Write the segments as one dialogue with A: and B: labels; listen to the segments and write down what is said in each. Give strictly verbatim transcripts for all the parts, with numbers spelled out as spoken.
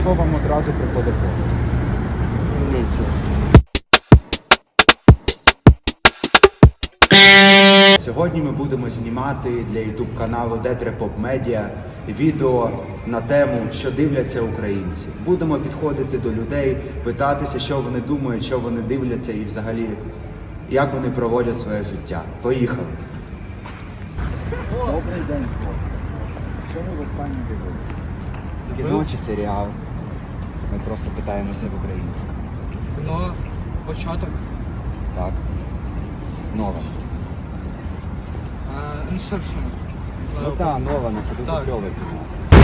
A: Що вам одразу приходить в голову?
B: Нічого.
A: Сьогодні ми будемо знімати для ютуб каналу Детрепоп Медіа відео на тему, що дивляться українці. Будемо підходити до людей, питатися, що вони думають, що вони дивляться і взагалі, як вони проводять своє життя. Поїхали! Добрий день, хлопці. Що ви в останнє дивилися? Кіно чи серіал? Ми просто питаємося в українців.
B: Кіно, початок.
A: Так. Нове.
B: Інсепшн.
A: Ну так, Нолана, це дуже
B: Так.
A: кльове кіно.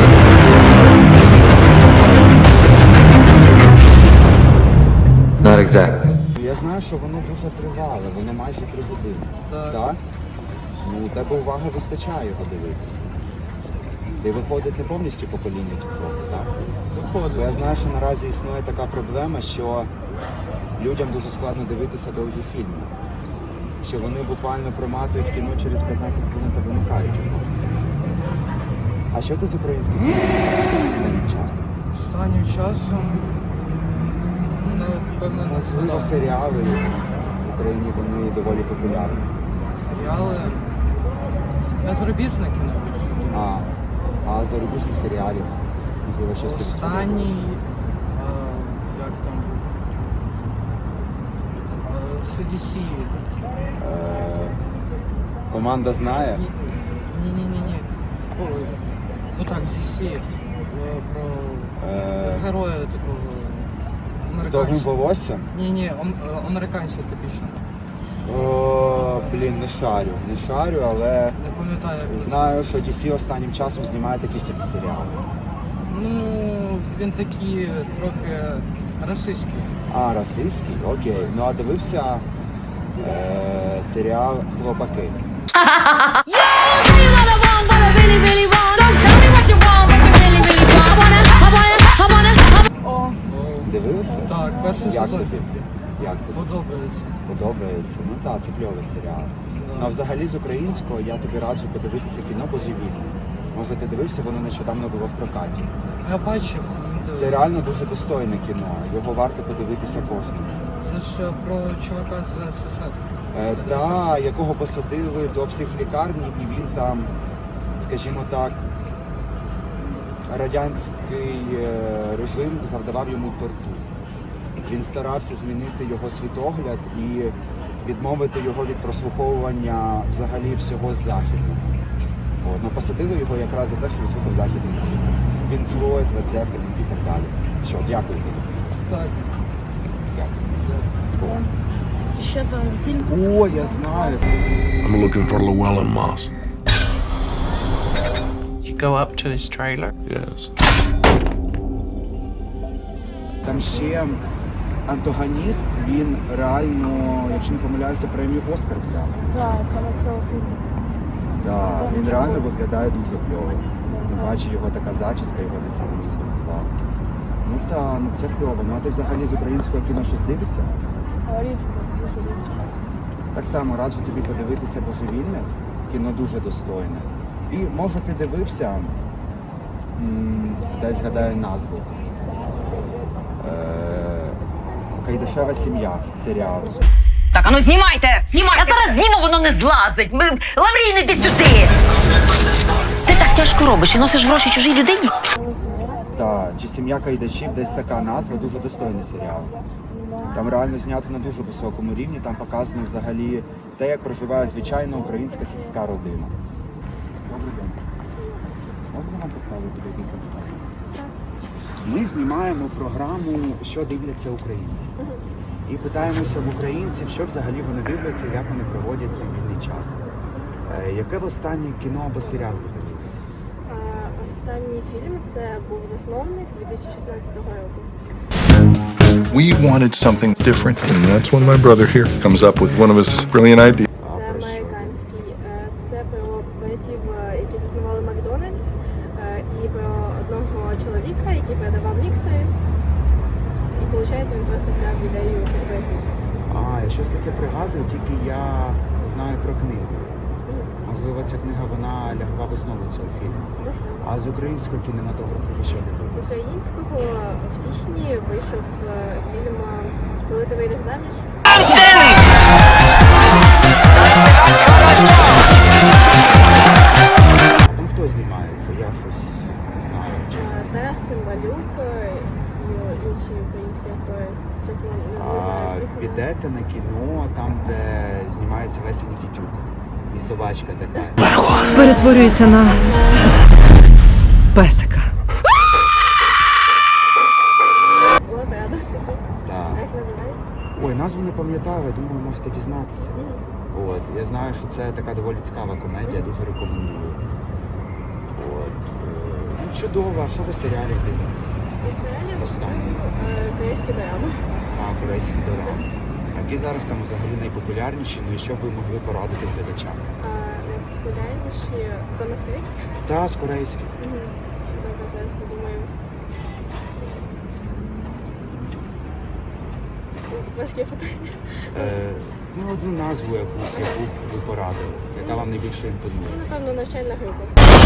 C: Not exactly.
A: Я знаю, що воно дуже тривале, воно майже три години.
B: Так.
A: Ну, у тебе уваги вистачає його дивитися. Ти виходить не повністю покоління тіктоку, так? Бо я знаю, що наразі існує така проблема, що людям дуже складно дивитися довгі фільми. Що вони буквально проматують кіно через п'ятнадцять хвилин та вимикають його. А що ти з українських фільмів дивишся останнім часом?
B: Останнім часом, напевно, не
A: Можливо,
B: знаю.
A: серіали якісь в Україні, вони доволі популярні.
B: Серіали. Я зарубіжне кіно більше.
A: А, а зарубіжних серіалів? Можливо, щось тобі
B: Останній,
A: сподобалось?
B: е, як там був? Е, Сі Ді Сі.
A: Е, Команда знає?
B: Ні-ні-ні. Ну так, Ді Сі. е, Про
A: Е,
B: героя такого.
A: З довгим
B: американця.
A: волоссям?
B: Ні-ні, ам- е, американця типічно.
A: О, блін, не шарю. Не шарю, але
B: Не пам'ятаю. як.
A: знаю, що ді сі останнім часом знімає такі собі серіали.
B: Ну, він такий трохи расистський.
A: А, російський? Окей. Ну а дивився е, серіал Хлопаки.
B: О,
A: Дивився?
B: так, перший
A: Як
B: сезон.
A: тобі? Як тобі?
B: Подобається.
A: Подобається? Ну так, це кльовий серіал.
B: Да.
A: Ну, а взагалі з українського я тобі раджу подивитися кіно «Божевільне». Може ти дивився, воно нещодавно було в прокаті.
B: Я бачив.
A: Це реально дуже достойне кіно, його варто подивитися кожному.
B: Це ж про чувака з СССР.
A: Е, та, якого посадили до психлікарні, і він там, скажімо так, радянський е, режим завдавав йому тортур. Він старався змінити його світогляд і відмовити його від прослуховування взагалі всього західного. От, ну, посадили його якраз за те, що він слухав західний режим. Він Флойд, Лед Зеппелін і так далі. Що, дякую тобі.
B: Так.
A: Дякую.
D: Ще там фільм.
A: О, я знаю.
E: I'm looking for Llewellyn Moss.
F: You go up to his trailer.
E: Yes.
A: Там ще антагоніст, він реально, якщо не помиляюся, премію Оскар взяв.
D: Так, саме з цього фільму.
A: Да, він реально виглядає дуже кльово. Бачу його така зачіска, його такий ус. Вау. Ну та, ну це кльово. Ну а ти взагалі з українського кіно щось дивишся?
D: Рідко, дуже рідко.
A: Так само раджу тобі подивитися «Божевільне». Кіно дуже достойне. І може ти дивився, м, дай згадаю назву. Е, «Кайдашева сім'я» серіал.
G: Так, а ну знімайте! Знімайте! Я зараз зніму, воно не злазить! Ми... Лаврін, іди сюди! Ти так тяжко робиш і носиш гроші чужій людині?
D: Тому сім'я.
A: Та, чи «Сім'я Кайдашів», десь така назва, дуже достойний серіал. Там реально знято на дуже високому рівні, там показано взагалі те, як проживає звичайна українська сільська родина. Добрий день. Можна вам поставити декілька питань? Ми знімаємо програму «Що дивляться українці». І питаємося в українців, що взагалі вони дивляться, як вони проводять свій вільний час. Е, яке в останнє кіно або серіал ви дивилися?
D: А, Останній фільм це був «Засновник» дві тисячі шістнадцятого року.
E: We wanted something different, and that's when my brother here comes up with one of his brilliant ideas.
A: А,
D: Це
A: про що?
D: американський. Е, Це про братів, е, які заснували Макдональдс, е, і про одного чоловіка, який продавав міксери. І виходить, він просто вкрав ідею цих братів.
A: А, я щось таке пригадую, тільки я знаю про книгу. Можливо, ця книга вона лягла в основу цього фільму. А з українського кінематографу ви що
D: З
A: дивилися?
D: українського в січні вийшов е, фільм «Коли ти вийдеш заміж».
A: А там хто знімається? Я щось не знаю, чесно.
D: Е, Тарас Цимбалюк е, і інші українські актори. Чесно, не, не знаю
A: А
D: всіх. імен.
A: підете на кіно, там, де знімається Леся Нікітюк. І собачка така.
C: Перетворюється на песика.
D: Була б рада.
A: Так.
D: А як називається?
A: Ой, назву не пам'ятаю, я думаю, можете дізнатися. От, я знаю, що це така доволі цікава комедія, дуже рекомендую. От. е, Ну, чудово, а що ви серіалів дивитесь?
D: Із серіалів
A: Останній.
D: е, корейські драми.
A: А, корейські дорами. Які зараз там взагалі найпопулярніші, ну і що б ви могли порадити глядачам?
D: А найпопулярніші саме з корейських?
A: Та, з корейських.
D: Мгм. Добре, зараз подумаю. Важкі питання.
A: Е, ну, одну назву якусь, яку б ви порадили, яка вам найбільше імпонує.
D: Ну, напевно, навчальна група.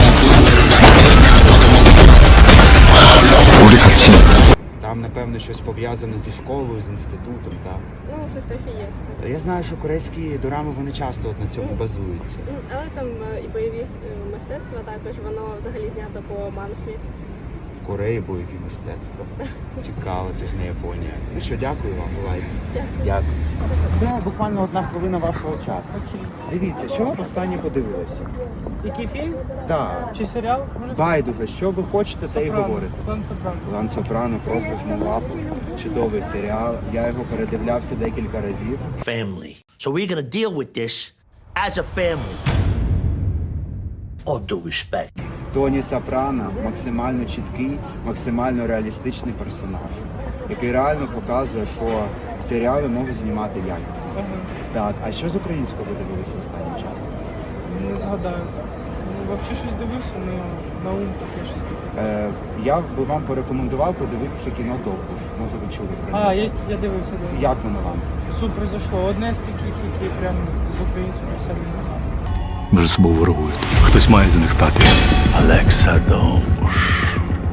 E: 우리 같이
A: Там, напевно, щось пов'язане зі школою, з інститутом, так?
D: Ну, щось трохи є.
A: Я знаю, що корейські дорами, вони часто от на цьому базуються.
D: М, Але там е, і бойові е, мистецтва також, воно взагалі знято по манхві.
A: В Кореї бойові мистецтва. Цікаво, це ж не Японія. Ну що, дякую вам, бувайте. Дякую. Це буквально одна хвилина вашого часу. Дивіться, що ви останнє подивилися?
B: Який фільм?
A: Так.
B: Чи серіал?
A: Байдуже, що ви хочете, те й
B: Сопрано.
A: говорите.
B: Клан Сопрано.
A: Лан Сопрано просто жму лапу. Чудовий серіал. Я його передивлявся декілька разів.
H: family. So we're gonna deal with this as a family. All due respect.
A: Тоні Сопрано максимально чіткий, максимально реалістичний персонаж, який реально показує, що серіали можуть знімати якісно.
B: Ага.
A: Так, а що з українського ви дивилися останнім часом?
B: Не згадаю. Ну, взагалі щось дивився, але на ум таке щось.
A: Е, я би вам порекомендував подивитися кіно «Довбуш». Може, ви чули про нього?
B: А, я, я дивився, да.
A: Як воно вам?
B: Супер зайшло. Одне з таких, які прям з українського все не
I: Між собою ворогують. Хтось має за них стати. Олекса Довбуш.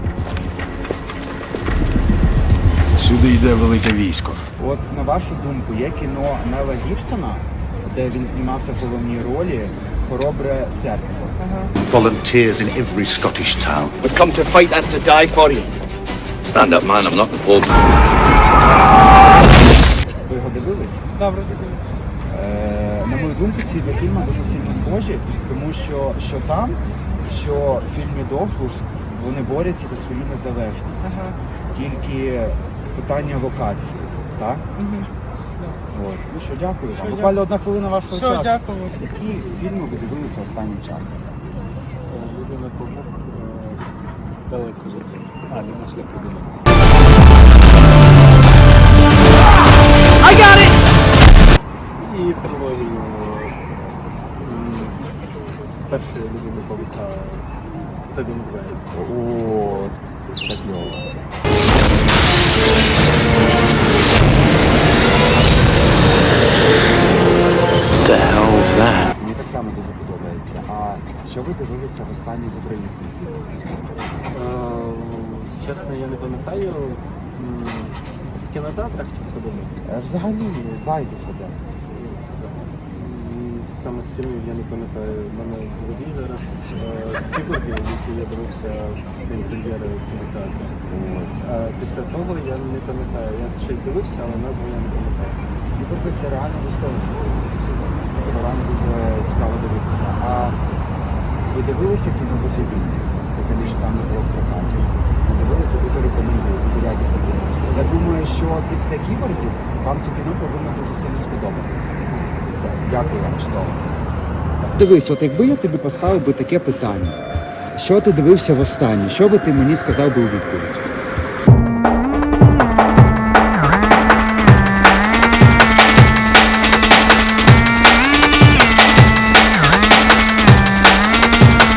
E: Сюди йде велике військо.
A: От, на вашу думку, є кіно Мела Гібсона, де він знімався в головній ролі «Хоробре серце».
H: Volunteers in every Scottish town.
J: We've come to fight and to die for you.
H: Stand up, man. I'm not the Pope.
A: Ви його дивились?
B: Добре, дивився.
A: Е, на мою думку, ці два фільми дуже сильно схожі, тому що що там, що в фільмі «Довбуш» вони борються за свою незалежність.
B: Ага.
A: Тільки питання локації, так?
B: Угу.
A: От. Ну що, дякую вам.
B: Що,
A: Буквально одна хвилина вашого
B: Все,
A: часу.
B: дякую.
A: Які фільми ви дивилися останнім часом?
I: Людина побук далеко жити. А, не на шляху до мене. І трилогію м, першої людини павука Тобі Мгвей.
A: О, це кльово.
H: The hell's that?
A: Мені так само дуже подобається. А що ви дивилися в останній з українських фільмів?
I: Е, Чесно, я не пам'ятаю. М, В кінотеатрах чи в садовому?
A: Е, Взагалі, байдуже, де.
I: Саме з фільмів я не пам'ятаю. У мене в голові зараз кіборги, які я дивився прем'єри в кінотеатрі. От. А після того я не пам'ятаю. Я щось дивився, але назву я не пам'ятаю.
A: Ігорки це реально достойно. Це реально дуже цікаво дивитися. А ви дивилися кіно «Божевільні», яке нещодавно було в прокаті? Ви дивилися, дуже рекомендую, дуже якісне кіно. Я думаю, що після кіборгів вам це кіно повинно дуже сильно сподобатися. Все, дякую вам, чудово. Дивись, от якби я тобі поставив би таке питання, що ти дивився востаннє, що би ти мені сказав би у відповідь?